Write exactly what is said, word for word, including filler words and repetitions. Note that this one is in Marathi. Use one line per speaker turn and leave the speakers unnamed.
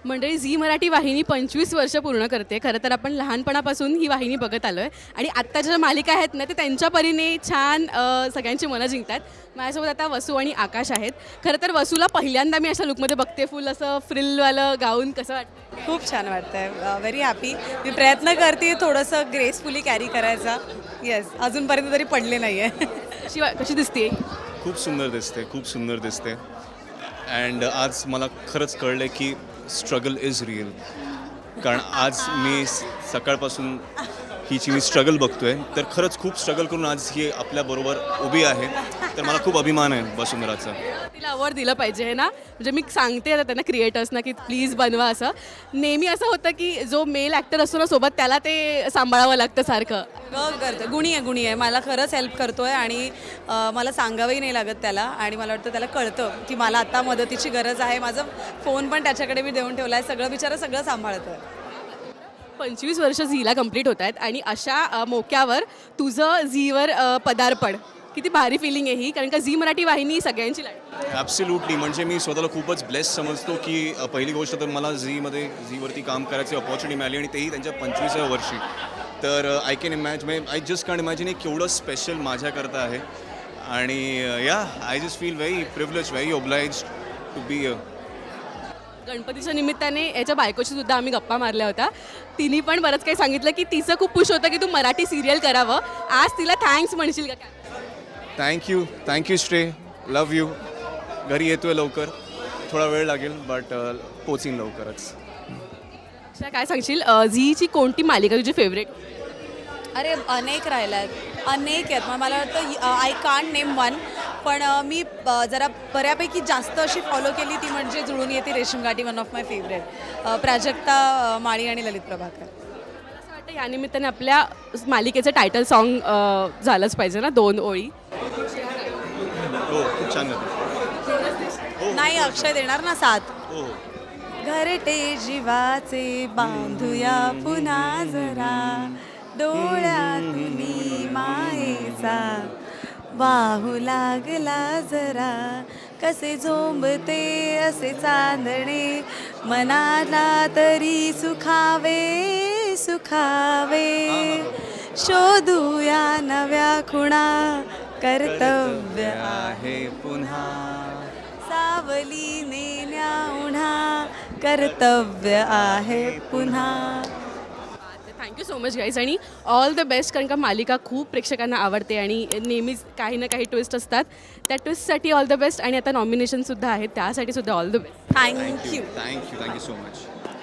मंडळी झी मराठी वाहिनी पंचवीस वर्ष पूर्ण करते. खरं तर आपण लहानपणापासून ही वाहिनी बघत आलो आहे आणि आत्ताच्या ज्या मालिका आहेत ना ते त्यांच्या परीने छान अ, सगळ्यांची मनं जिंकतात. माझ्यासोबत आता वसू आणि आकाश आहेत. खरं तर वसूला पहिल्यांदा मी अशा लुकमध्ये बघते, फुल असं फ्रिलवालं गाऊन. कसं वाटतं?
खूप छान वाटतंय. Very happy. मी प्रयत्न करते थोडंसं ग्रेसफुली कॅरी करायचा. येस, अजूनपर्यंत तरी पडले नाही आहे.
कशी वा- कशी दिसते?
खूप सुंदर दिसते, खूप सुंदर दिसते. अँड आज मला खरंच कळलं की स्ट्रगल इज रिअल. कारण आज मी स- सकाळपासून हिची मी स्ट्रगल बघतोय, तर खरंच खूप स्ट्रगल करून आज ही आपल्याबरोबर उभी आहे. तर मला खूप अभिमान आहे वसुंधराचा.
तिला अवॉर्ड दिलं पाहिजे आहे ना. म्हणजे मी सांगते आता त्यांना क्रिएटर्सना की प्लीज बनवा. असं नेहमी असं होतं की जो मेल ॲक्टर असतो ना सोबत त्याला ते सांभाळावं लागतं सारखं.
ग- करतो गुणी आहे गुणी आहे मला खरंच हेल्प करतोय आणि अ, मला सांगावंही नाही लागत त्याला. आणि मला वाटतं त्याला कळतं की मला आता मदतीची गरज आहे. माझा फोन पण त्याच्याकडे मी देऊन ठेवला आहे. सगळं बिचारा सगळं सांभाळतं आहे.
पंचवीस वर्ष झीला कंप्लीट होत आहेत आणि अशा अ, मोक्यावर तुझं झीवर अ, पदार्पण किती भारी फिलिंग आहे ही. कारण का झी मराठी वाहिनी सगळ्यांची लाईफ.
ॲब्सल्युटली. म्हणजे मी स्वतःला खूपच ब्लेस समजतो की अ, पहिली गोष्ट तर मला झीमध्ये झीवरती काम करायची अपॉर्च्युनिटी मिळाली आणि तेही त्यांच्या पंचवीसाव्या वर्षी. तर I can imagine I just can imagine हे केवढं स्पेशल माझ्याकरता आहे. आणि या I just feel very privilege, very oblige to be.
गणपतीच्या निमित्ताने याच्या बायकोशी सुद्धा आम्ही गप्पा मारल्या होत्या. तिने पण बरंच काही सांगितलं की तिचं खूप खुश होतं की तू मराठी सिरियल करावं. आज तिला थँक्स म्हणशील का काय?
थँक्यू थँक्यू श्रे, लव यू. घरी येतोय लवकर, थोडा वेळ लागेल बट पोचीन लवकरच.
अशा काय सांगशील अ, झीची कोणती मालिका तुझी फेवरेट?
अरे अनेक राहिल्या आहेत, अनेक आहेत. मग मला वाटतं आय कांट नेम वन. पण अ, मी अ, जरा बऱ्यापैकी जास्त अशी फॉलो केली ती म्हणजे Julun Yete Reshimgathi, one of my favourite. Prajakta, uh, Mali आणि ललित प्रभाकर.
असं वाटतं या निमित्ताने आपल्या मालिकेचं टायटल सॉन्ग झालंच पाहिजे ना, दोन ओळी.
हो, खूप छान गाते.
नाही, अक्षय देणार ना साथ.
हो.
घरटे जीवाचे बांधूया पुन्हा जरा, डोळ्यातून मायेचा वाहू लागला जरा, कसे झोंबते असे चांदणे, मनाला तरी सुखावे सुखावे, शोधूया नव्या खुणा, कर्तव्य
आहे पुन्हा.
सावली नेण्या उन्हा, कर्तव्य आहे पुन्हा.
थँक्यू सो मच गाईज आणि ऑल द बेस्ट. कारण का मालिका खूप प्रेक्षकांना आवडते आणि नेहमीच काही ना काही ट्विस्ट असतात. त्या ट्विस्टसाठी ऑल द बेस्ट. आणि आता नॉमिनेशनसुद्धा आहेत, त्यासाठी सुद्धा all the best.
Thank you.
Thank you thank you so much.